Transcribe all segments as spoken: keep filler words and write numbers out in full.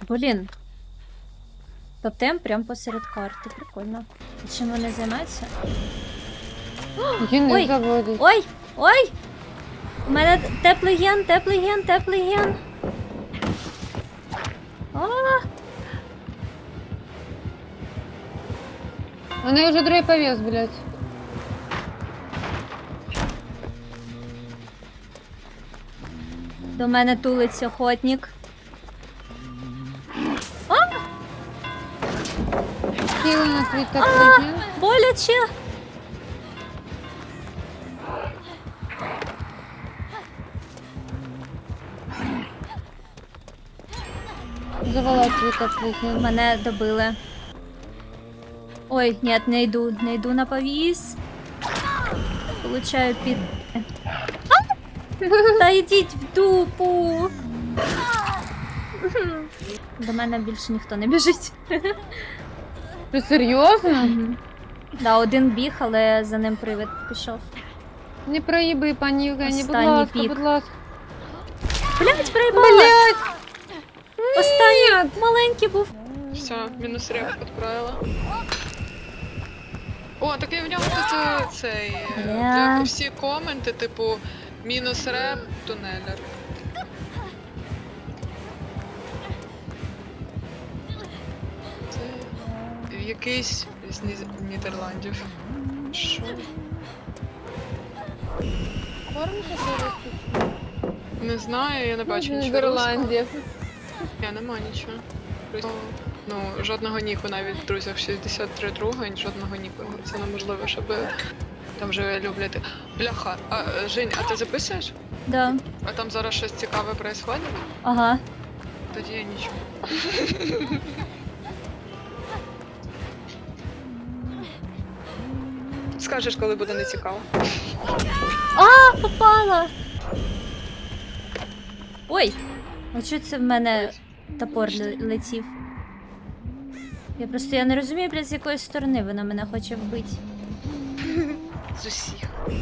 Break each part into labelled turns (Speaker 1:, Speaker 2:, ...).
Speaker 1: Блін. Тотем прям посеред карти. Прикольно. І чим вони займаються?
Speaker 2: Гени
Speaker 1: Ой!
Speaker 2: заводять.
Speaker 1: Ой! Ой! У мене теплий ген, теплий ген, теплий ген. А!
Speaker 2: Вони вже другий повіз, блядь.
Speaker 1: До мене тулиться охотник.
Speaker 2: Сіли на свій теплий ген.
Speaker 1: Боляче!
Speaker 2: Завала свій теплий ген.
Speaker 1: Мене добили. Ой, ні, не йду, не йду на повіз. Получаю під... Та йдіть в дупу! До мене більше ніхто не біжить.
Speaker 2: Ти серйозно?
Speaker 1: Да, один біг, але за ним привид пішов.
Speaker 2: Не проїби, пані Євгені, будь
Speaker 1: Останній
Speaker 2: ласка,
Speaker 1: пік.
Speaker 2: будь ласка.
Speaker 1: Блять, проїбала!
Speaker 2: Блядь!
Speaker 1: Останній маленький був.
Speaker 3: Все, мінус реп відправила. О, так і в ньому тут е, цей. е,
Speaker 1: Бля.
Speaker 3: де Всі коменти, типу, мінус реп, тунелер. Це якийсь з Ні- Нідерландів. Що?
Speaker 2: Кормите зараз?
Speaker 3: Не знаю, я не бачу нічого.
Speaker 2: Нідерландів.
Speaker 3: Ні, нема нічого. Просто, ну, жодного ніку навіть в друзях шістдесят три друга, жодного ніку. Це неможливо, щоб там вже люблять. Бляха, а е, Жень, а ти записуєш?
Speaker 1: Да.
Speaker 3: А там зараз щось цікаве происходить?
Speaker 1: Ага.
Speaker 3: Тоді я нічого. Скажеш, коли буде не цікаво.
Speaker 1: А, попала! Ой! А чого це в мене топор ле- летів? Я просто я не розумію, блядь, з якої сторони вона мене хоче вбити.
Speaker 3: З усіх.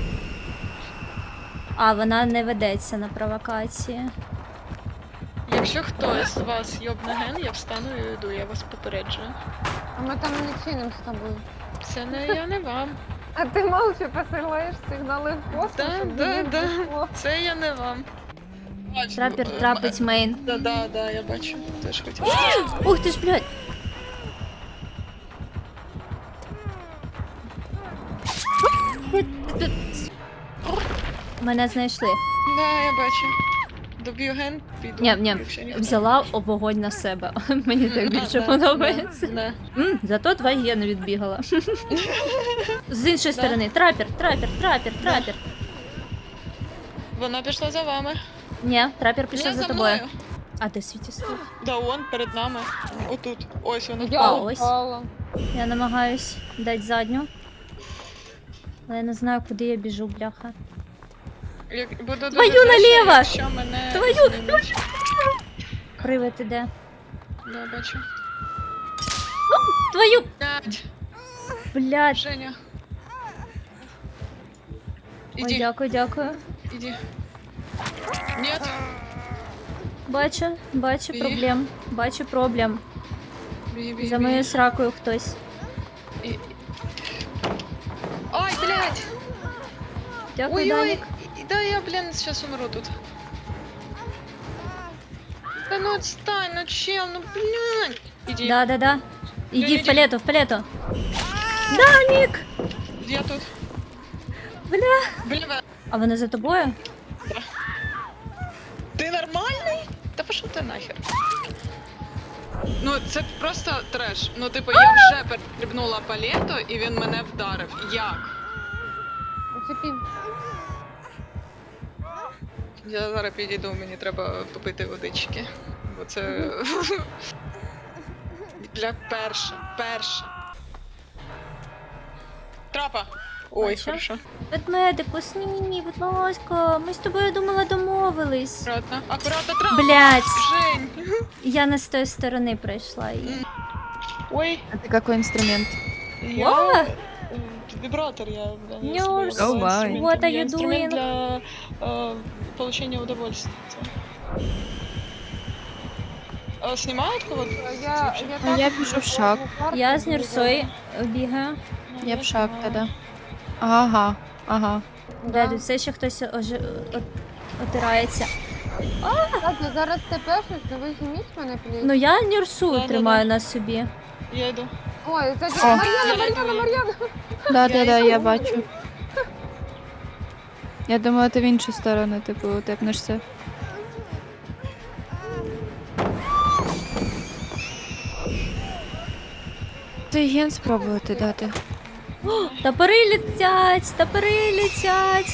Speaker 1: А, вона не ведеться на провокації.
Speaker 3: Якщо хтось з вас йобне ген, я встану і йду, я вас попереджую.
Speaker 2: А ми там не чинимо з тобою.
Speaker 3: Це не я, не вам.
Speaker 2: А ти мовча посилаєш сигнали в космос?
Speaker 3: Да,
Speaker 2: щоб
Speaker 3: да,
Speaker 2: мені
Speaker 3: да.
Speaker 2: пішло.
Speaker 3: Це я не вам. Бачу,
Speaker 1: Трапер
Speaker 3: е,
Speaker 1: трапить мейн.
Speaker 3: Да, да, да, я бачу. Теж хотіла.
Speaker 1: Ух ти ж, блядь! Мене знайшли.
Speaker 3: Да, я бачу. Доб'ю ген, піду.
Speaker 1: Ні, ні,
Speaker 3: якщо ніхто-
Speaker 1: взяла вогонь на себе. Мені так
Speaker 3: А,
Speaker 1: більше
Speaker 3: да,
Speaker 1: подобається.
Speaker 3: да, да.
Speaker 1: М, зато два гени відбігала. З іншої
Speaker 3: Да.
Speaker 1: сторони. Трапер, трапер, трапер, трапер.
Speaker 3: Вона пішла за вами.
Speaker 1: Ні, трапер пішов
Speaker 3: Не
Speaker 1: за
Speaker 3: за
Speaker 1: тобою.
Speaker 3: мною.
Speaker 1: А де світі стоїть?
Speaker 3: Да, он перед нами. Отут. Ось вона.
Speaker 2: Я
Speaker 1: А, ось.
Speaker 2: упала.
Speaker 1: Я намагаюсь дати задню. Але я не знаю, куди я біжу, бляха.
Speaker 3: Як буду дуже
Speaker 1: Твою
Speaker 3: вдячна,
Speaker 1: наліво!
Speaker 3: Якщо мене
Speaker 1: Твою!
Speaker 3: знімуть.
Speaker 1: Привид іде.
Speaker 3: Да, бачу.
Speaker 1: Твою!
Speaker 3: Блядь,
Speaker 1: Блядь.
Speaker 3: Женя.
Speaker 1: Ой,
Speaker 3: Іди,
Speaker 1: дякую, дякую.
Speaker 3: іди. Нет.
Speaker 1: Бачу, бачу
Speaker 3: І?
Speaker 1: проблем. Бачу проблем.
Speaker 3: Бі, бі,
Speaker 1: За
Speaker 3: бі.
Speaker 1: моєю сракою хтось.
Speaker 3: І- Ой, блядь!
Speaker 1: Дякую,
Speaker 3: Ой-ой!
Speaker 1: Данік.
Speaker 3: І- Да я, блін, сейчас умру тут. Да ну отстань, ну чел, ну блядь! Иди,
Speaker 1: Да, да, да. Іди
Speaker 3: Іди,
Speaker 1: в
Speaker 3: іди.
Speaker 1: палету, в палету. Данік!
Speaker 3: я тут.
Speaker 1: Бля.
Speaker 3: Бля,
Speaker 1: А вони за тобою?
Speaker 3: ти нормальний? Та пошов ти нахер. Ну, це просто треш. Ну, типу, я вже перестрибнула палету, і він мене вдарив. Як?
Speaker 2: Уцепи.
Speaker 3: Я зараз підійду, мені треба попити водички. Бо це. Для перше. Перше. Трапа! Ой,
Speaker 1: Бачу.
Speaker 3: хорошо.
Speaker 1: Ведмедику, снімі, будь ласка. Ми з тобою думала домовились.
Speaker 3: Аккуратно. Аккуратно, трапа!
Speaker 1: Блять,
Speaker 3: Жень!
Speaker 1: я не з тої сторони пройшла її.
Speaker 3: Ой,
Speaker 4: А ты какой инструмент?
Speaker 3: я...
Speaker 1: О!
Speaker 3: э, Вибратор я... да, я
Speaker 1: Нюрс.
Speaker 3: собі вибрала
Speaker 4: Oh my.
Speaker 3: инструмент.
Speaker 1: What are
Speaker 3: Я
Speaker 1: you
Speaker 3: инструмент
Speaker 1: doing?
Speaker 3: для э, получения удовольствия. А, снимают кого-то?
Speaker 2: Я, я,
Speaker 4: Ну,
Speaker 2: так
Speaker 4: я біжу в шаг.
Speaker 2: карту
Speaker 1: Я з
Speaker 2: бігаю.
Speaker 1: Нюрсою бігаю.
Speaker 3: Ну,
Speaker 4: Я в шаг
Speaker 3: знаю.
Speaker 4: тоді. Ага, ага.
Speaker 1: Да,
Speaker 2: Да.
Speaker 1: тут все ще хтось ожи... от... отирається.
Speaker 2: Так, я зараз тепешусь, ну ви зніміть мене, пліз.
Speaker 1: Ну я Нюрсу
Speaker 3: Да-да-да.
Speaker 1: тримаю на собі.
Speaker 3: Я йду.
Speaker 2: Ой, кстати,
Speaker 4: О.
Speaker 2: Мар'яна,
Speaker 3: Я
Speaker 2: Мар'яна,
Speaker 3: йду.
Speaker 2: Мар'яна.
Speaker 4: Да, да, да,
Speaker 3: йду.
Speaker 4: я бачу. Я думала, ти в іншу сторону, типу, тепнешся. Ти ген спробувати дати.
Speaker 1: Топори летять, топори летять.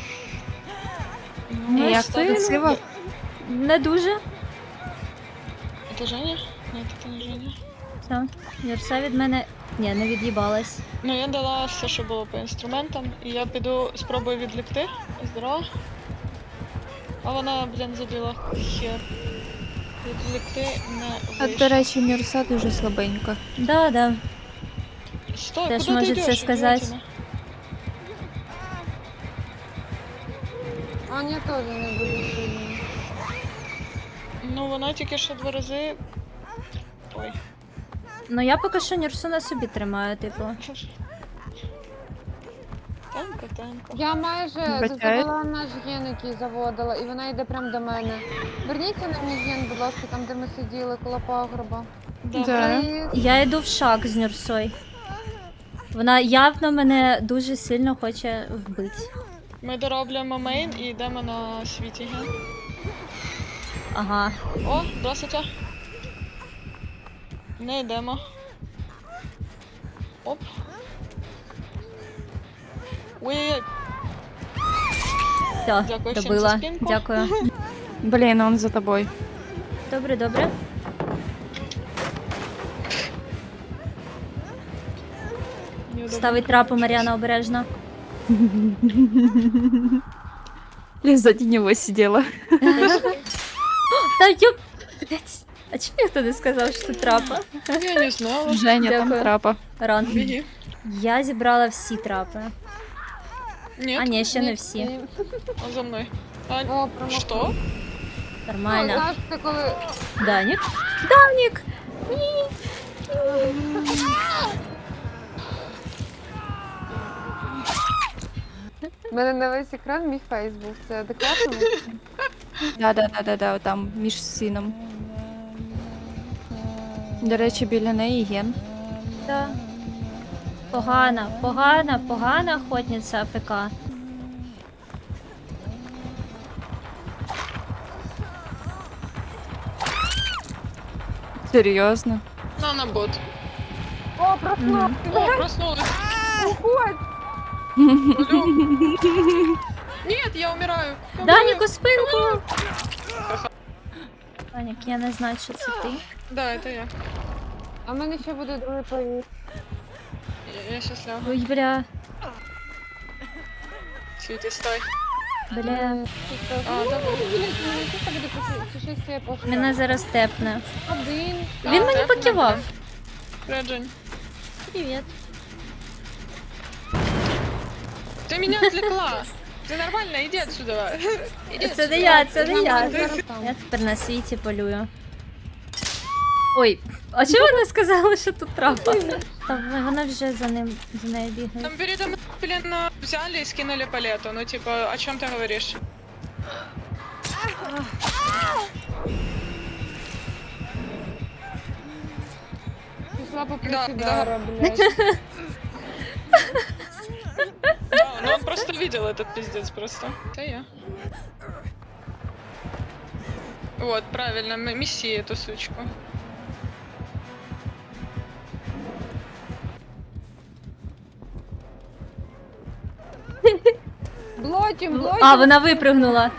Speaker 4: І як
Speaker 1: спину.
Speaker 4: красиво.
Speaker 1: Не дуже.
Speaker 3: Это Женя? Нет, это не Женя.
Speaker 1: Все. Нюрса від мене. Ні, не від'їбалась.
Speaker 3: Ну, я дала все, що було по інструментам, і я піду спробую відлікти. Здорово. А вона, блін, забіла хер. Відлікти не
Speaker 4: А,
Speaker 3: вийшло.
Speaker 4: до речі, Нюрса дуже слабенька.
Speaker 1: Да, да.
Speaker 3: Стой,
Speaker 1: теж
Speaker 3: куди ти
Speaker 1: може
Speaker 3: йдеш,
Speaker 1: це сказати.
Speaker 3: ідіотина?
Speaker 2: Аня теж не буде сильна.
Speaker 3: Ну, вона тільки що два рази... Ой.
Speaker 1: Ну я поки що Нюрсу на собі тримаю, типу.
Speaker 3: Темко, темко.
Speaker 2: Я майже
Speaker 4: Вибачаю.
Speaker 2: завела наш ген, який заводила, і вона йде прямо до мене. Верніться на мій ген, будь ласка, там, де ми сиділи, коло пагорба.
Speaker 4: Да.
Speaker 2: Пліз.
Speaker 1: Я йду в шаг з Нюрсою. Вона явно мене дуже сильно хоче вбити.
Speaker 3: Ми дороблюємо мейн і йдемо на світі ген.
Speaker 1: Ага.
Speaker 3: О, здравствуйте. Не йдемо. Оп. Ой-ой-ой.
Speaker 1: Все,
Speaker 3: Дякую всім
Speaker 1: добила.
Speaker 3: за спинку.
Speaker 1: Дякую.
Speaker 4: Блін, он за тобою.
Speaker 1: Добре, добре.
Speaker 3: Неудобно.
Speaker 1: Ставить трапу Мар'яна обережно.
Speaker 4: Я сзади него сидела.
Speaker 1: Та йоп... Блять. А чому ніхто не сказав, що тут трапа?
Speaker 3: Я не знала.
Speaker 4: Женя, там
Speaker 1: Дякую.
Speaker 4: трапа.
Speaker 1: Ран.
Speaker 3: Беги.
Speaker 1: Я зібрала всі трапи.
Speaker 3: Нет,
Speaker 1: А ні, ще не
Speaker 2: Ні,
Speaker 1: всі.
Speaker 2: ні.
Speaker 3: он за мной. А,
Speaker 2: О, промахнув.
Speaker 3: что?
Speaker 2: Ну,
Speaker 1: Нормально.
Speaker 2: знаєш, це коли...
Speaker 1: Данік? Данік!
Speaker 2: У мене на весь екран мій фейс був. Це адекватно?
Speaker 4: Да, да, да, да, да, там між сином. До речі, біля неї ген.
Speaker 1: Да. Погана, погана, погана охотниця АФК.
Speaker 4: Серйозно.
Speaker 3: На, на бот.
Speaker 2: О, проснув!
Speaker 3: О, проснулась.
Speaker 2: Уходь!
Speaker 3: Алло. Нет, я умираю. Я
Speaker 1: Данік,
Speaker 3: умираю.
Speaker 1: у спинку! Данік, я не знаю, що це ти.
Speaker 3: Да, это я.
Speaker 2: А в мене ще буде другий поїзд.
Speaker 3: Я, я сейчас лягу.
Speaker 1: Ой, бля,
Speaker 3: Світі, стой.
Speaker 1: бля.
Speaker 3: А,
Speaker 2: Ну,
Speaker 3: да.
Speaker 2: блін, мені чисто буде пуши- пушистіє пошла.
Speaker 1: Мене зараз тепне.
Speaker 2: Один.
Speaker 1: Він
Speaker 3: А,
Speaker 1: мені
Speaker 3: тепне,
Speaker 1: покивав.
Speaker 3: Привет, Жень.
Speaker 1: Привіт.
Speaker 3: Ты меня отвлекла. Ты нормально, иди отсюда. Иди
Speaker 1: Це не
Speaker 3: отсюда.
Speaker 1: я, це не я.
Speaker 2: Нормально, зараз там.
Speaker 1: Я тепер на світі полюю. Ой, а чого ви не сказали, що тут трапа? Та вона вже за ним, за нею бігає.
Speaker 3: Там передо мной, блин, а, взяли и скинули палету. Ну, типа, о чем ты говоришь?
Speaker 2: Пішла по
Speaker 3: Да,
Speaker 2: присідара, блядь.
Speaker 3: Да, ну он просто видел этот пиздец просто. Это я. Вот, правильно, м- месси эту сучку.
Speaker 2: Блотім, блотім.
Speaker 1: А, вона випригнула.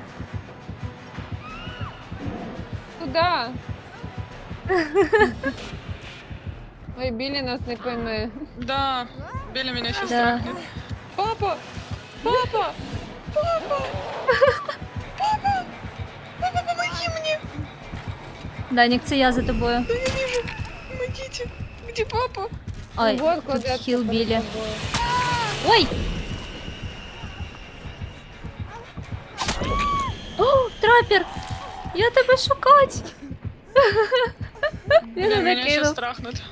Speaker 2: Куда? Ой, Білі нас не пойме.
Speaker 3: Да, Беля меня сейчас
Speaker 1: Да.
Speaker 3: трахнет. Папа! Папа! Папа! Папа! Папа, помоги мне!
Speaker 1: Данік, це я за тобою.
Speaker 3: Да я вижу! Помогите! Где папа?
Speaker 1: Ой,
Speaker 2: Вот
Speaker 1: тут
Speaker 2: кладеться
Speaker 1: хіл
Speaker 2: перед
Speaker 1: білі.
Speaker 2: тобою.
Speaker 1: Ой! О, трапер! Я тебе шукать! Він
Speaker 3: Блин,
Speaker 1: мене
Speaker 3: меня сейчас
Speaker 1: кинув.
Speaker 3: страхнут.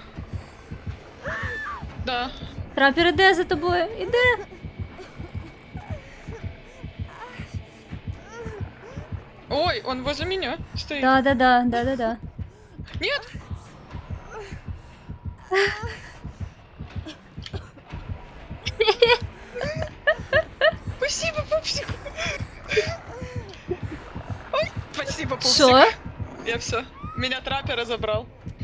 Speaker 3: Да.
Speaker 1: Трапер іде за тобою, іде.
Speaker 3: Ой, он возле меня стоит.
Speaker 1: Да-да-да, да-да-да.
Speaker 3: Нет! Спасибо, пупсик. Ой, спасибо, пупсик.
Speaker 1: Що?
Speaker 3: Я все. Меня траппер забрал.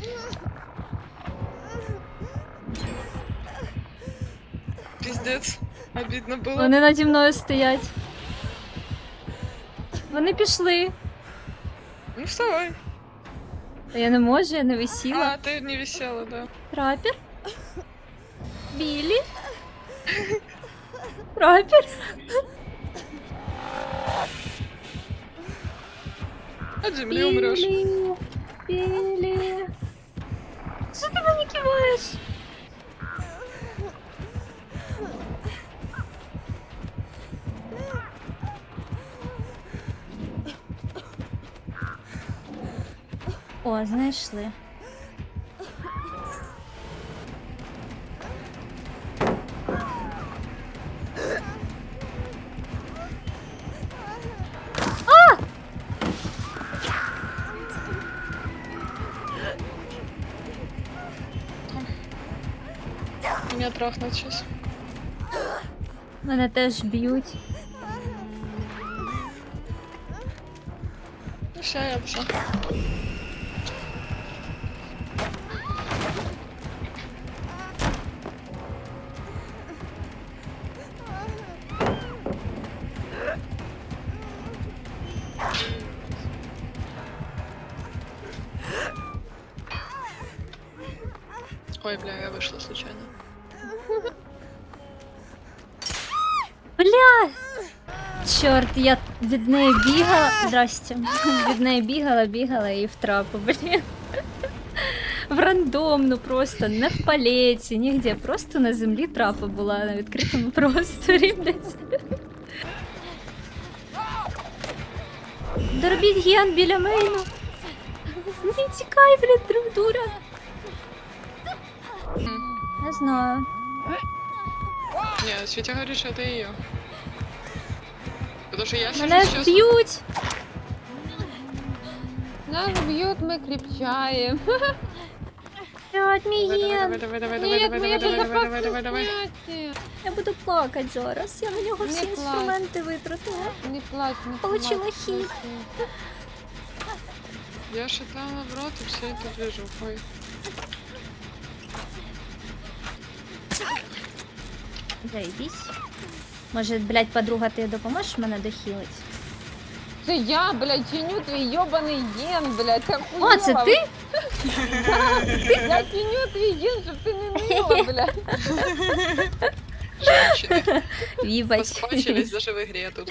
Speaker 3: Пиздец. Обидно было.
Speaker 1: Вони наді мною стоять. Вони пішли.
Speaker 3: Ну вставай.
Speaker 1: Та я не можу, я не висіла.
Speaker 3: А, ты не висела, да.
Speaker 1: Трапер? Білі? Трапер?
Speaker 3: От земли умрешь.
Speaker 1: Білі. Білі. Що ти мені киваєш? О, знайшли.
Speaker 3: Меня трахнут сейчас.
Speaker 1: Мене теж б'ють.
Speaker 3: Ну все, я все. Ой, бля, я вышла случайно.
Speaker 1: Бля! Чорт, я від неї бігала. Здрасте. Від неї бігала, бігала і в трапу, блін. В рандомну просто, не в палеті, нігде. Просто на землі трапа була на відкритому просторі, блядь. Доробіть ген біля мейну. Не тікай, блядь, друг дура. Не знаю.
Speaker 3: Не, Светя говорит, что это ее. Потому что я сижу
Speaker 1: Мене
Speaker 3: сейчас...
Speaker 1: б'ють.
Speaker 2: Нас б'ють, ми кріпчаємо.
Speaker 1: Блядь, мій
Speaker 3: Давай,
Speaker 1: ген.
Speaker 3: давай, давай, давай,
Speaker 2: Ні,
Speaker 3: давай,
Speaker 2: моє
Speaker 3: давай, давай, давай, давай,
Speaker 2: безопасне
Speaker 3: давай.
Speaker 2: зняття.
Speaker 1: Я буду плакати зараз. Я на нього всі
Speaker 2: Не плач.
Speaker 1: інструменти витратила.
Speaker 2: Не плач, не
Speaker 1: Получила
Speaker 2: плач,
Speaker 1: хит.
Speaker 2: не плач.
Speaker 3: Я шатала в рот и все это движу. Ой.
Speaker 1: Заебись. Може, блядь, подруга, ти допоможеш мене дохілить?
Speaker 2: Це я, блядь, чиню твій йобаний ген, блядь, ти
Speaker 1: О, це
Speaker 2: охуєла?
Speaker 1: ти?
Speaker 2: Я чиню твій ген, щоб ти не ніла, блядь.
Speaker 3: Женщины.
Speaker 1: Вібач.
Speaker 3: Поспачились даже в игре тут.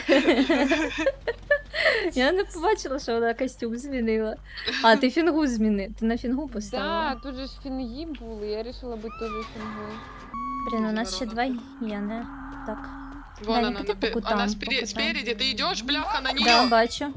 Speaker 1: Я не побачила, що вона костюм змінила. А, ти фінгу зміни. Ти на фінгу
Speaker 2: Да,
Speaker 1: поставила.
Speaker 2: тут же ж фінги були, я вирішила бути теж фінгою.
Speaker 1: Блін, у нас ще два гени. Так.
Speaker 3: Вон
Speaker 1: Да,
Speaker 3: она,
Speaker 1: не по
Speaker 3: напе-
Speaker 1: кутам,
Speaker 3: она
Speaker 1: по
Speaker 3: спери-
Speaker 1: кутам.
Speaker 3: спереди, ты идешь, бляха, на нее.
Speaker 1: Да, бачу.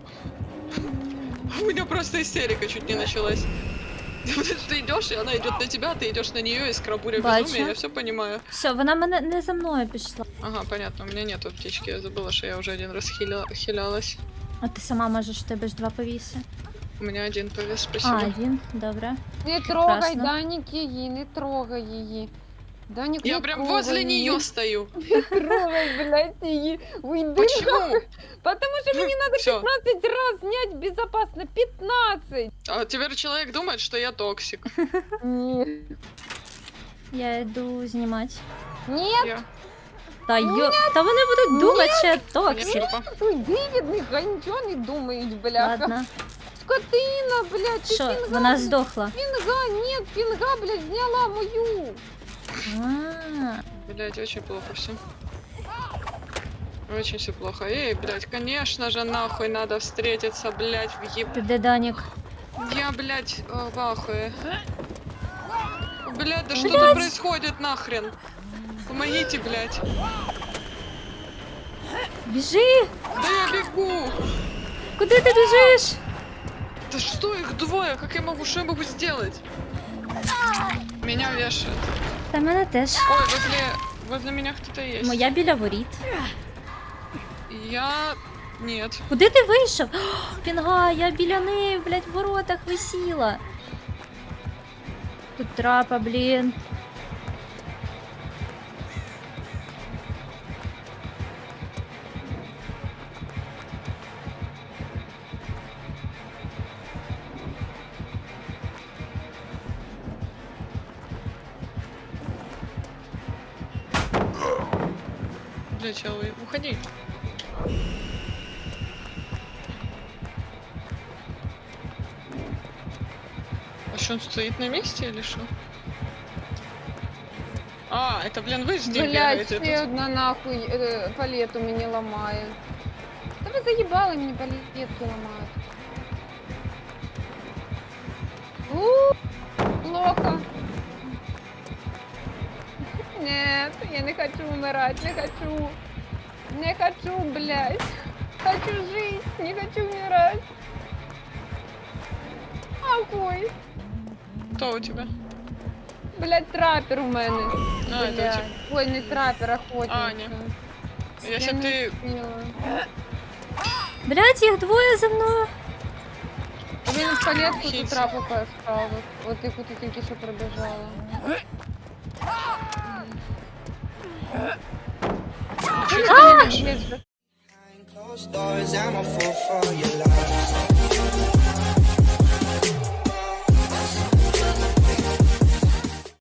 Speaker 3: У меня просто истерика чуть не началась. Ты идешь, и она идет на тебя, ты идешь на нее, и скрабуря
Speaker 1: Бачу.
Speaker 3: безумие, я все понимаю.
Speaker 1: Все, вона мене не за мною пішла.
Speaker 3: Ага, понятно, у меня нету аптечки, я забыла, что я уже один раз хиля... хилялась.
Speaker 1: А ти сама можеш, в тебе ж два повіси.
Speaker 3: У меня один повес,
Speaker 1: А,
Speaker 3: спасибо.
Speaker 1: один, добре.
Speaker 2: Не трогай,
Speaker 1: Прекрасно.
Speaker 2: Данік її, не трогай її. Данік,
Speaker 3: Я
Speaker 2: не
Speaker 3: прям
Speaker 2: трогай
Speaker 3: возле
Speaker 2: її.
Speaker 3: нее стою.
Speaker 2: Не трогай, блядь, її. Уйди.
Speaker 3: Почему?
Speaker 2: Потому что мне надо
Speaker 3: Всё.
Speaker 2: пятнадцать раз снять безопасно. пятнадцать!
Speaker 3: А теперь человек думает, что я токсик.
Speaker 2: Нет.
Speaker 1: Я йду знімати.
Speaker 2: Нет,
Speaker 3: Я.
Speaker 1: Та йо... Та вони будуть думати, що я
Speaker 3: Мне
Speaker 1: токсик.
Speaker 3: жопа.
Speaker 2: уйди від них, а нічого не думають, бляха.
Speaker 1: Ладно.
Speaker 2: Скотина, блядь, ти
Speaker 1: Що,
Speaker 2: фінга,
Speaker 1: вона
Speaker 2: блядь.
Speaker 1: здохла?
Speaker 2: Фінга, нет, фінга, блядь, зняла мою.
Speaker 1: А,
Speaker 3: Блять, очень плохо все. Очень все плохо. Эй, блять, конечно же, нахуй надо встретиться, блять, в еб...
Speaker 1: ти де, Данік?
Speaker 3: Я, блять, в ахуе. Блять, да что
Speaker 1: Блядь.
Speaker 3: тут происходит нахрен? Помогите, блять.
Speaker 1: Біжи!
Speaker 3: Да я бегу.
Speaker 1: Куди ти біжиш?
Speaker 3: Да что их двое? Как я могу? Что я могу сделать? Меня вешают.
Speaker 1: Та мене теж.
Speaker 3: Ой, возле, возле меня кто-то есть.
Speaker 1: Моя біля воріт.
Speaker 3: Я... Нет.
Speaker 1: Куди ти вийшов? О, Пінга, я біля неї, блядь, в воротах висіла. Тут трапа, блін.
Speaker 3: Бля, чел, уходи. А что, он стоит на месте или что? А, это, блин, вы с ним
Speaker 2: Блядь,
Speaker 3: бегаете
Speaker 2: ще
Speaker 3: тут.
Speaker 2: одна нахуй е, палету мені ламає. Та ви заїбали мені палетки ламають. У, плохо. Нет, я не хочу умирать, не хочу. Не хочу, блядь. Хочу жить, не хочу умирать. Какой?
Speaker 3: Кто у тебя?
Speaker 2: Блядь, трапер у мене.
Speaker 3: А, это у
Speaker 2: Блядь.
Speaker 3: тебя.
Speaker 2: Ой, не трапер, охотниця.
Speaker 3: Аня. Если
Speaker 2: Я не
Speaker 3: ты...
Speaker 2: успіла.
Speaker 1: Блядь, їх двоє за мною.
Speaker 2: Він в палетку
Speaker 3: Хіць.
Speaker 2: тут трапу ставив. От яку ти тільки що пробіжала.
Speaker 3: Чё ты не видишь?
Speaker 2: Є ж
Speaker 5: Closed doors, I'm a fool for your love.